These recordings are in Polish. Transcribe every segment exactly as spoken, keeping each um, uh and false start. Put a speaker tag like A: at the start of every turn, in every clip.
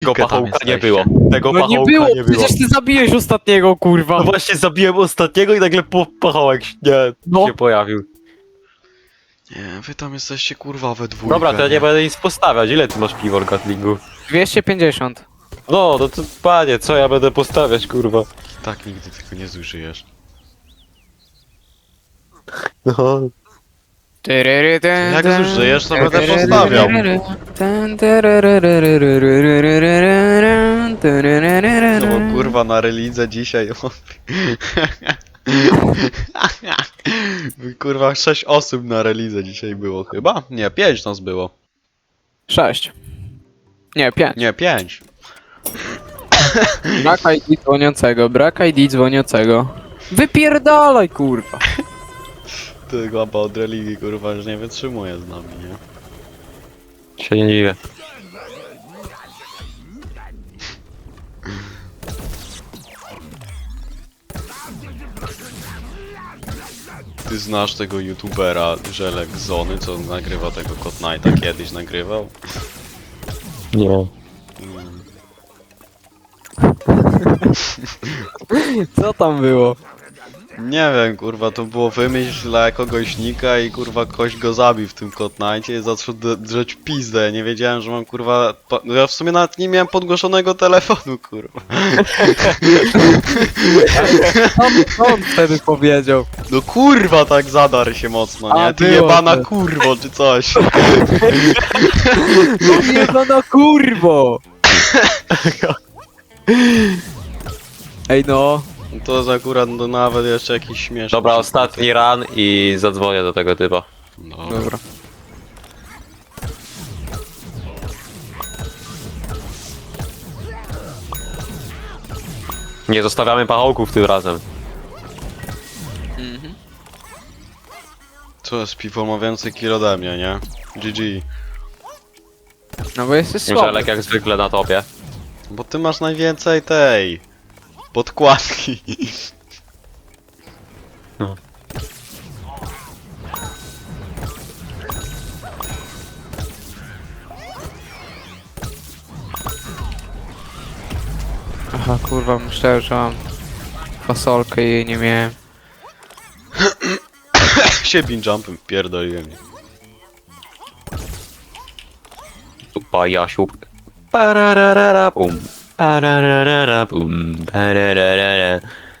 A: Tego
B: tam
A: pachołka nie
B: jesteście.
A: było. Tego
C: No nie
A: pachołka
C: było,
A: nie było.
C: przecież ty zabiłeś ostatniego, kurwa.
A: No właśnie zabiłem ostatniego i nagle po pachołek nie,
C: No.
A: się pojawił.
B: Nie, wy tam jesteście kurwa we dwójkę.
A: Dobra, to ja nie będę nic postawiać. Ile ty masz piwor, Gatlingu?
C: dwieście pięćdziesiąt.
A: No, no to panie, co ja będę postawiać, kurwa?
B: Tak nigdy tego nie zużyjesz.
A: No.
B: Jak zużyjesz, to będę postawiał. No bo kurwa na relidze dzisiaj... Kurwa sześć osób na relidze dzisiaj było chyba? Nie, pięć nas było.
C: sześć. Nie, pięć.
B: Nie, pięć.
C: Brak I D dzwoniącego, brak I D dzwoniącego. Wypierdalaj, kurwa.
B: Ty łapa od religii kurwa już nie wytrzymuje z nami, nie?
A: Się nie dziwię.
B: Ty znasz tego youtubera Żelek Zony, co nagrywa tego Code Knighta, kiedyś nagrywał?
A: Nie.
C: Co tam było?
B: Nie wiem, kurwa, to było wymyśl dla kogoś nika i kurwa ktoś go zabił w tym Code Knightie i zaczął d- drzeć pizdę. Nie wiedziałem, że mam kurwa... Po... No ja w sumie nawet nie miałem podgłoszonego telefonu, kurwa.
C: Co on, co on wtedy powiedział?
B: No kurwa tak zadarł się mocno, nie?
C: A,
B: Ty
C: było
B: jebana
C: to.
B: kurwo, czy coś.
C: No no kurwo! Ej no.
B: To jest akurat no, nawet jeszcze jakiś śmieszny.
A: Dobra, ostatni ran i zadzwonię do tego typa.
B: No.
C: Dobra.
A: Nie zostawiamy pachołków tym razem.
B: Co jest, piwo ma więcej kill ode mnie, nie? G G.
C: No bo jesteś słaby.
A: Żelek jak zwykle na topie.
B: Bo ty masz najwięcej tej... podkładki.
A: No.
C: Aha, kurwa, myślałem, że mam fasolkę i jej nie miałem.
B: się bin jumpem pierdoliłem.
A: Tupa Jasiu. Pararara pum. Pararara pum. Pararara.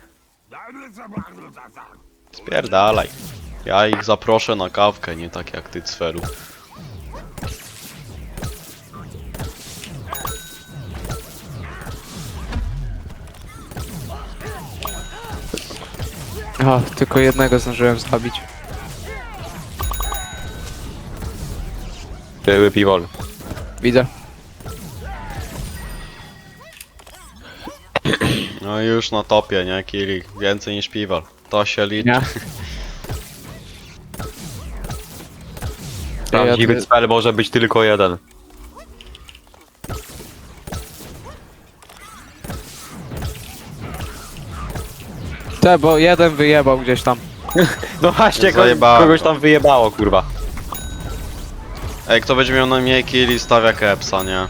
B: Spierdalaj. Ja ich zaproszę na kawkę, nie tak jak ty, Cferu.
C: Aha, tylko jednego zdążyłem zabić.
A: Były piwol.
C: Widzę.
B: No i już na topie, nie? Kili. Więcej niż piwal. To się liczy.
C: Nie?
A: Prawdziwy
C: Ja-
A: cel może być tylko jeden.
C: Te, bo jeden wyjebał gdzieś tam.
A: No właśnie, kogoś,
B: Zajebałem
A: kogoś
B: go.
A: tam wyjebało, kurwa.
B: Ej, kto będzie miał najmniej killi, stawia kepsa, nie?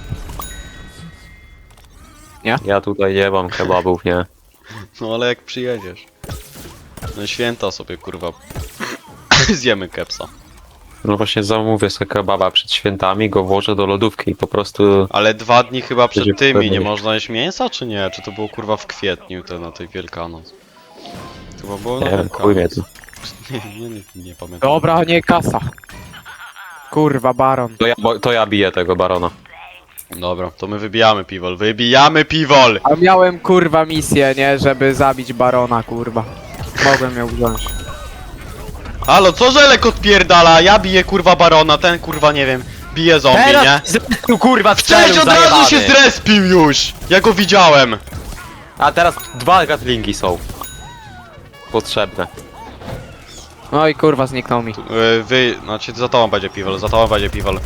A: Ja tutaj nie mam kebabów, nie.
B: No ale jak przyjedziesz. No święta sobie, kurwa. Zjemy kepsa.
A: No właśnie zamówię sobie kebaba przed świętami, go włożę do lodówki i po prostu...
B: Ale dwa dni chyba
A: Będzie
B: przed tymi nie
A: pewnie.
B: można jeść mięsa, czy nie? Czy to było kurwa w kwietniu, to na tej Wielkanoc? Chyba było na
A: Nie wiem, chuj mnie
B: Wielkanoc.
A: tu.
B: Nie, nie, nie, nie pamiętam.
C: Dobra, nie kasa. Kurwa, baron.
A: To ja, bo, to ja biję tego barona.
B: Dobra, to my wybijamy piwol. Wybijamy piwol!
C: A miałem kurwa misję, nie? Żeby zabić barona, kurwa. Mogłem ją wziąć.
B: Halo, co Żelek odpierdala? Ja biję kurwa barona, ten kurwa nie wiem, bije zombie, nie?
A: Tu kurwa
B: Cześć, od razu się zrespił już! Ja go widziałem!
A: A teraz dwa gatlingi są. Potrzebne.
C: No i kurwa, zniknął mi.
B: Yy, wy, znaczy za tobą będzie piwol, za tobą będzie piwol.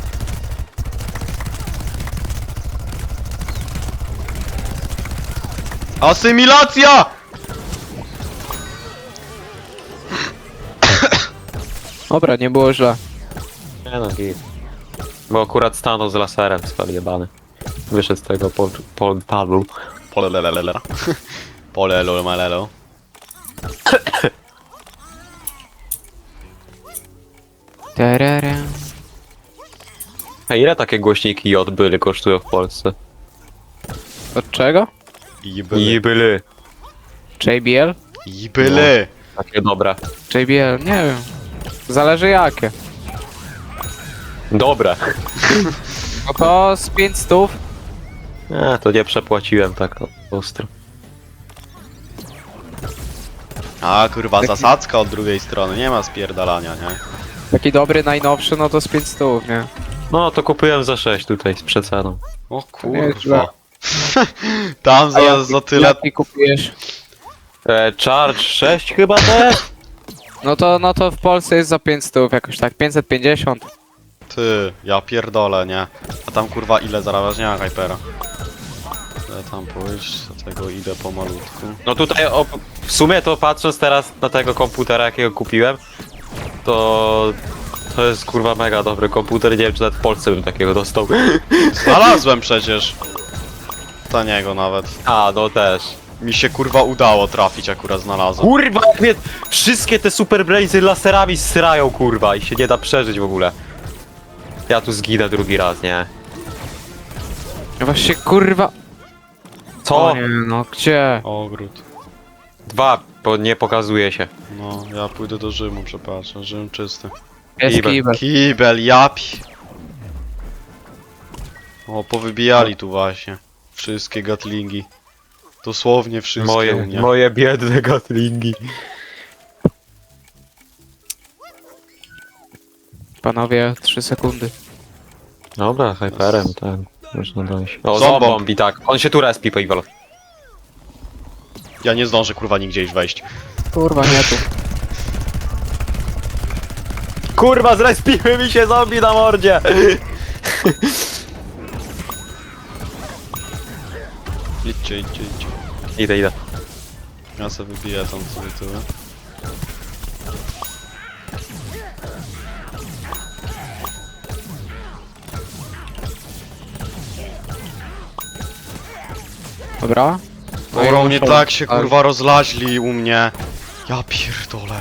B: Asymilacja!
C: Dobra, nie było źle.
A: Nie no, git. Bo akurat stanął z laserem, spal jebany. wyszedł z tego pol, portalu.
B: Polelelelera. Polelo malelo.
C: Tererem.
A: A ile takie głośniki J były kosztują w Polsce?
C: Od czego?
B: I były.
A: I były.
C: J B L?
B: I były.
A: Takie dobre.
C: J B L, nie wiem. Zależy jakie.
A: Dobre.
C: No to z pięć stów.
A: Nie, to nie przepłaciłem tak ostro.
B: A kurwa, zasadzka od drugiej strony, nie ma spierdalania, nie?
C: Taki dobry, najnowszy, no to z pięć stów, nie?
A: No to kupiłem za sześć tutaj z przeceną.
B: O
C: nie jest źle.
B: kurwa. Tam
C: A
B: za,
C: jaki-
B: za tyle...
C: Jaki kupujesz?
A: E, Charge sześć chyba też?
C: No to, no to w Polsce jest za pięć stów, jakoś tak, pięćset pięćdziesiąt.
B: Ty, ja pierdolę, nie? A tam kurwa ile zarabiasz? Nie ma Hypera. Ja tam pójść, do tego idę pomalutku.
A: No tutaj o, w sumie to patrząc teraz na tego komputera jakiego kupiłem, to to jest kurwa mega dobry komputer, nie wiem czy nawet w Polsce bym takiego dostał.
B: Znalazłem przecież! Taniego nawet.
A: A, no też.
B: Mi się kurwa udało trafić, akurat znalazłem.
A: Kurwa, jak mnie wszystkie te super blazy laserami srają kurwa i się nie da przeżyć w ogóle. Ja tu zginę drugi raz, nie?
C: Właśnie kurwa.
A: Co?
C: O nie, no gdzie?
B: Ogród.
A: Dwa, bo nie pokazuje się.
B: No, ja pójdę do Rzymu, przepraszam, Rzym czysty.
C: Jest
A: Kibel.
C: kibel.
B: Kibel, japi. O, powybijali tu właśnie. Wszystkie gatlingi. Dosłownie wszystkie u
A: Moje,
B: mnie.
A: moje biedne gatlingi.
C: Panowie, trzy sekundy.
A: Dobra, hyperem, tak. Można dojść. O,
B: Zombomb.
A: zombombi, tak. On się tu respi, Paywall.
B: Ja nie zdążę kurwa nigdzie już wejść.
C: Kurwa, nie tu.
A: Kurwa, zrespiły mi się zombie na mordzie!
B: Idźcie, idźcie, idźcie.
A: Idę, idę.
B: Ja sobie wybiję tam sobie tyły.
C: Dobra. No i
B: Dobra, mnie
C: muszą-
B: tak się
C: ale-
B: kurwa rozlaźli u mnie. Ja pierdolę.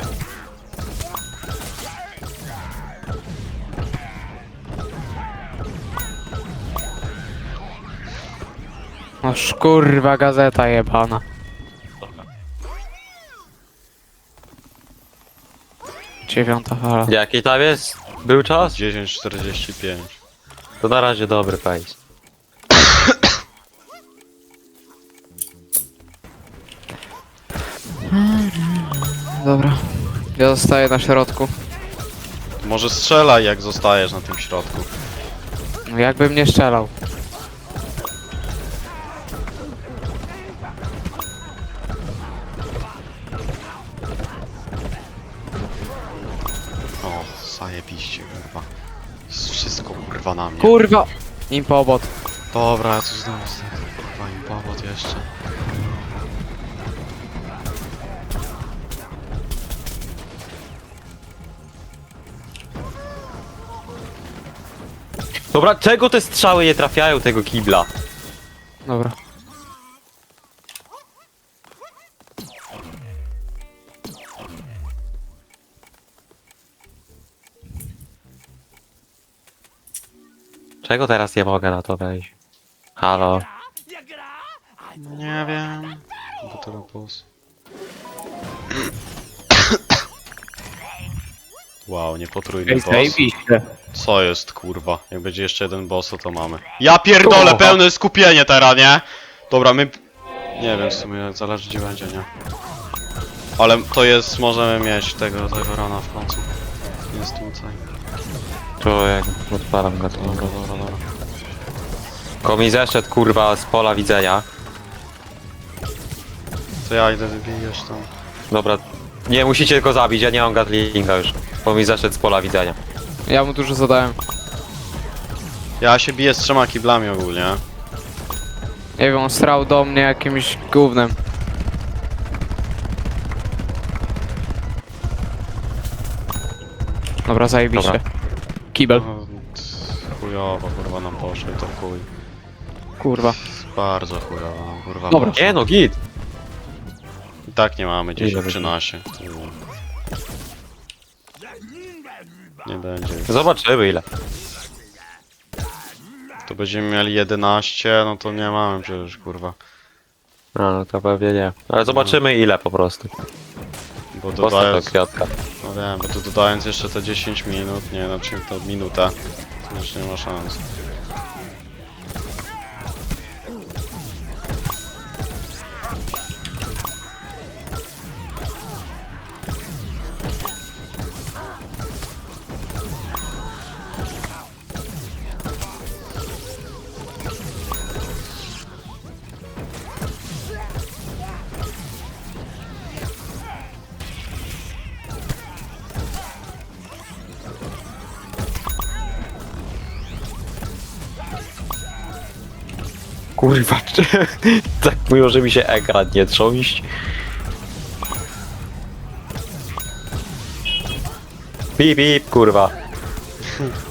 C: No kurwa, gazeta jebana. Dziewiąta fala.
A: Jaki tam jest? Był czas?
B: dziesięć czterdzieści pięć.
A: To na razie dobry pace.
C: Dobra. Ja zostaję na środku.
B: Może strzelaj jak zostajesz na tym środku.
C: No jakbym nie strzelał.
B: O, zajebiście kurwa. Jest wszystko kurwa na mnie.
C: Kurwa! Impobot.
B: Dobra, ja tu znowu znajdę kurwa im powód jeszcze.
A: Dobra, czego te strzały nie trafiają tego kibla?
C: Dobra.
A: Czego teraz nie mogę na to wejść? Halo?
B: Nie wiem. Bo teraz boss. Wow, niepotrójny
C: Ej,
B: boss.
C: zajebiście.
B: Co jest kurwa? Jak będzie jeszcze jeden boss, to to mamy. Ja pierdolę,
A: Kurwa.
B: pełne skupienie teraz, nie? Dobra, my... Nie wiem, w sumie zależy gdzie będzie, nie? Ale to jest, możemy mieć tego, tego rana w końcu. Jest tutaj.
A: To jak odpalam go to.
B: Dobra, dobra, dobra.
A: Ko mi zeszedł kurwa z pola widzenia.
B: To ja idę wybijesz tam.
A: Dobra, nie musicie go zabić, ja nie mam gatlinga już. Bo mi zeszedł z pola widzenia.
C: Ja mu dużo zadałem.
B: Ja się biję z trzema kiblami ogólnie.
C: Nie wiem, on strał do mnie jakimś gównem. Dobra, zajebiście.
A: Dobra.
C: Kibel.
B: No, t- chujowo, kurwa nam poszło i to chuj.
C: kurwa.
B: Bardzo chujowo, kurwa.
C: Dobra.
B: mocno.
A: Nie no, git.
B: I tak nie mamy
A: Ile
B: dziesięć
A: będzie?
B: trzynaście. Nie będzie.
A: Zobaczymy ile.
B: To będziemy mieli jedenaście, no to nie mamy przecież, kurwa.
A: No, no to pewnie nie. Ale zobaczymy ile po prostu.
B: Bo
A: Postaw
B: dodając,
A: to kwiatka.
B: no wiem, bo to dodając jeszcze te dziesięć minut, nie, znaczy to minutę, to już nie ma szans.
A: Kurwa, czy... tak mówią, że mi się ekran nie trząść. Pip, pip, kurwa.